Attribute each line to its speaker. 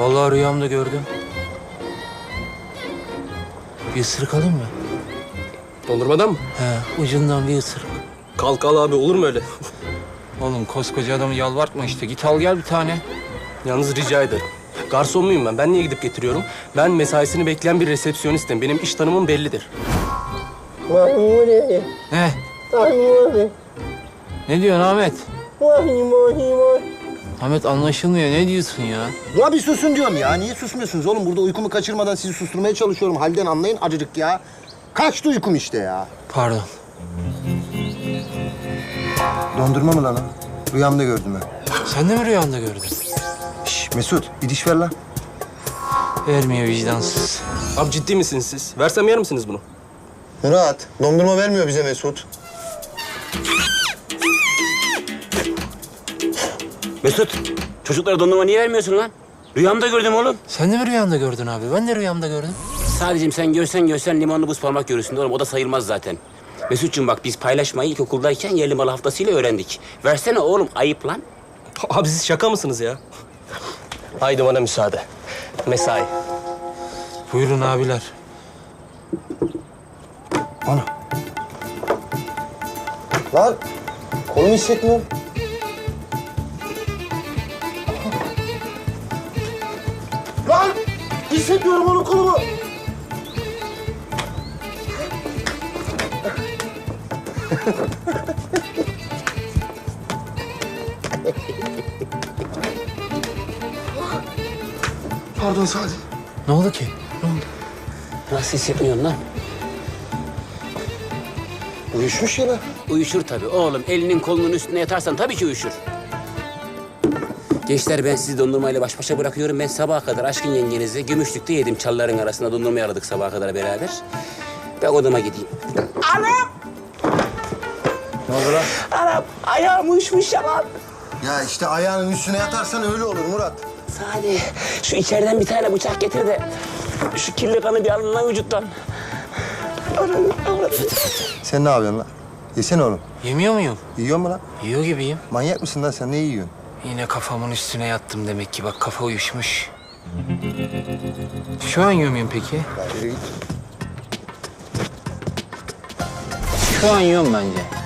Speaker 1: Vallahi rüyamda gördüm. Bir ısırık alayım mı?
Speaker 2: Dondurmadan mı?
Speaker 1: He, ucundan bir ısırık.
Speaker 2: Kalk al abi, olur mu öyle?
Speaker 1: Oğlum koskoca adamı yalvartma işte. Git al gel bir tane.
Speaker 2: Yalnız rica ederim. Garson muyum ben? Ben niye gidip getiriyorum? Ben mesaisini bekleyen bir resepsiyonistim. Benim iş tanımım bellidir.
Speaker 3: Mahmure,
Speaker 1: Ne?
Speaker 3: Mahmure,
Speaker 1: Ne diyorsun Ahmet?
Speaker 3: Mahmure.
Speaker 1: Ahmet anlaşılmıyor. Ne diyorsun ya?
Speaker 4: Ya bir susun diyorum ya. Niye susmuyorsunuz oğlum? Burada uykumu kaçırmadan sizi susturmaya çalışıyorum. Halden anlayın acıcık ya. Kaçtı uykum işte ya.
Speaker 1: Pardon.
Speaker 4: Dondurma mı lan o? Rüyamda gördüm ben.
Speaker 1: Sen de mi rüyanda gördün?
Speaker 4: Şş, Mesut bir diş ver lan.
Speaker 1: Vermiyor vicdansız.
Speaker 2: Abi ciddi misiniz siz? Versem yer misiniz bunu?
Speaker 4: Murat, dondurma vermiyor bize Mesut.
Speaker 5: Mesut, çocuklara dondurma niye vermiyorsun lan? Rüyamda gördüm oğlum.
Speaker 1: Sen de mi rüyanda gördün abi? Ben de rüyamda gördüm.
Speaker 5: Sadece sen görsen limonlu buz parmak görürsün oğlum. O da sayılmaz zaten. Mesut'cum bak biz paylaşmayı ilkokuldayken yerli malı haftasıyla öğrendik. Versene oğlum, ayıp lan.
Speaker 2: Abi siz şaka mısınız ya? Haydi bana müsaade. Mesai.
Speaker 1: Buyurun abiler.
Speaker 4: Ana. Lan kolumu hissetmiyorum. Lan hissetmiyorum onun kolumu. Pardon Sadi.
Speaker 1: Ne oldu ki? Ne oldu?
Speaker 5: Nasıl hissetmiyorsun lan?
Speaker 4: Uyuşmuş ya lan.
Speaker 5: Uyuşur tabii oğlum. Elinin kolunun üstüne yatarsan tabii ki uyuşur. Gençler ben sizi dondurmayla baş başa bırakıyorum. Ben sabaha kadar aşkın yengenizi Gümüşlük'te yedim. Çalların arasında dondurma yaradık sabaha kadar beraber. Ben odama gideyim. Anam!
Speaker 4: Ne oldu lan?
Speaker 5: Anam ayağım uyuşmuş ya lan.
Speaker 4: Ya işte ayağının üstüne yatarsan öyle olur Murat.
Speaker 5: Sadi şu içeriden bir tane bıçak getir de şu kirli kanı bir alın lan vücuttan.
Speaker 4: Sen ne yapıyorsun lan? Yesene oğlum.
Speaker 1: Yemiyor muyum?
Speaker 4: Yiyor mu lan?
Speaker 1: Yiyor gibiyim.
Speaker 4: Manyak mısın lan sen? Ne yiyorsun?
Speaker 1: Yine kafamın üstüne yattım demek ki. Bak kafa uyuşmuş. Şu an yiyor muyum peki?
Speaker 4: Ya yürü git.
Speaker 1: Şu an yiyorum bence.